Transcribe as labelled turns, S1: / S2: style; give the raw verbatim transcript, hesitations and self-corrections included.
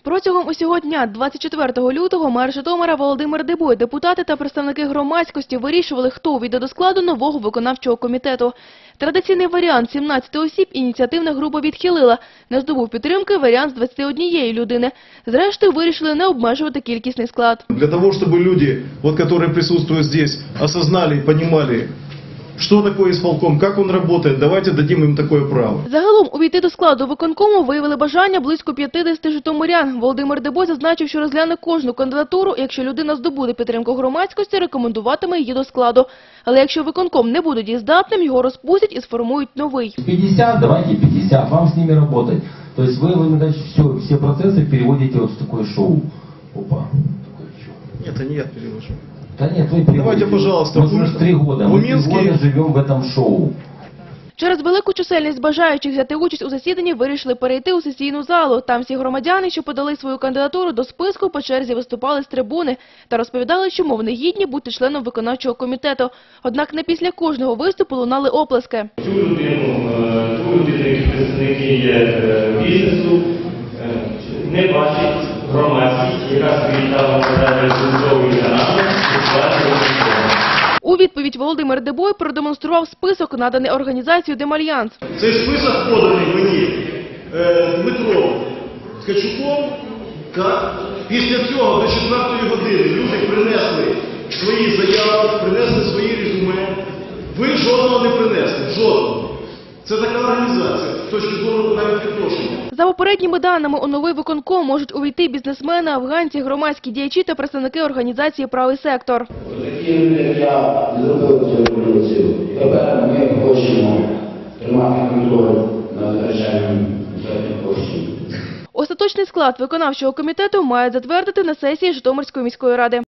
S1: Протягом усього дня, двадцять четвертого лютого, мер Житомира Володимир Дебой, депутати та представники громадськості вирішували, хто увійде до складу нового виконавчого комітету. Традиційний варіант – сімнадцять осіб ініціативна група відхилила. Не здобув підтримки варіант з двадцяти однієї людини. Зрештою, вирішили не обмежувати кількісний склад.
S2: Для того, щоб люди, вот, які присутствують тут, осознали і розуміли, що таке ісполком, як він працює, давайте дадим їм таке право.
S1: Загалом увійти до складу виконкому виявили бажання близько п'ятдесяти житомирян. Володимир Дебой зазначив, що розгляне кожну кандидатуру, якщо людина здобуде підтримку громадськості, рекомендуватиме її до складу. Але якщо виконком не буде дієздатним, його розпустять і сформують новий.
S3: пятьдесят, давайте пятьдесят, вам с ними работать. То есть вы, вы значит, все, все процессы переводите вот в такое шоу. Опа.
S2: Нет, это не я перевожу.
S3: Да нет, вы переводите.
S2: Давайте, пожалуйста.
S3: Мы уже три года, мы три
S2: Минске...
S3: года живем в этом шоу.
S1: Через велику чисельність бажаючих взяти участь у засіданні вирішили перейти у сесійну залу. Там всі громадяни, що подали свою кандидатуру до списку, по черзі виступали з трибуни та розповідали, чому вони гідні бути членом виконавчого комітету. Однак не після кожного виступу лунали оплески.
S4: Цю людину, ту людину, які представники є бізнесу, не бачить громадськість, яка свої там реалізовує канали, і сплачує.
S1: У відповідь Володимир Дебой продемонстрував список, наданий організацією «Демальянс».
S2: Цей список поданий мені е, Дмитром Ткачуком. Так? Після цього до четвертої години люди принесли свої заяви, принесли свої резюме. Ви жодного не принесли. Жодного. Це така організація, з точки зору навіть відношення.
S1: За попередніми даними, у новий виконком можуть увійти бізнесмени, афганці, громадські діячі та представники організації «Правий сектор».
S5: Такі люди, як я, не зробили цю революцію. Тепер ми хочемо тримати контроль над витрачанням бюджетних коштів.
S1: Остаточний склад виконавчого комітету мають затвердити на сесії Житомирської міської ради.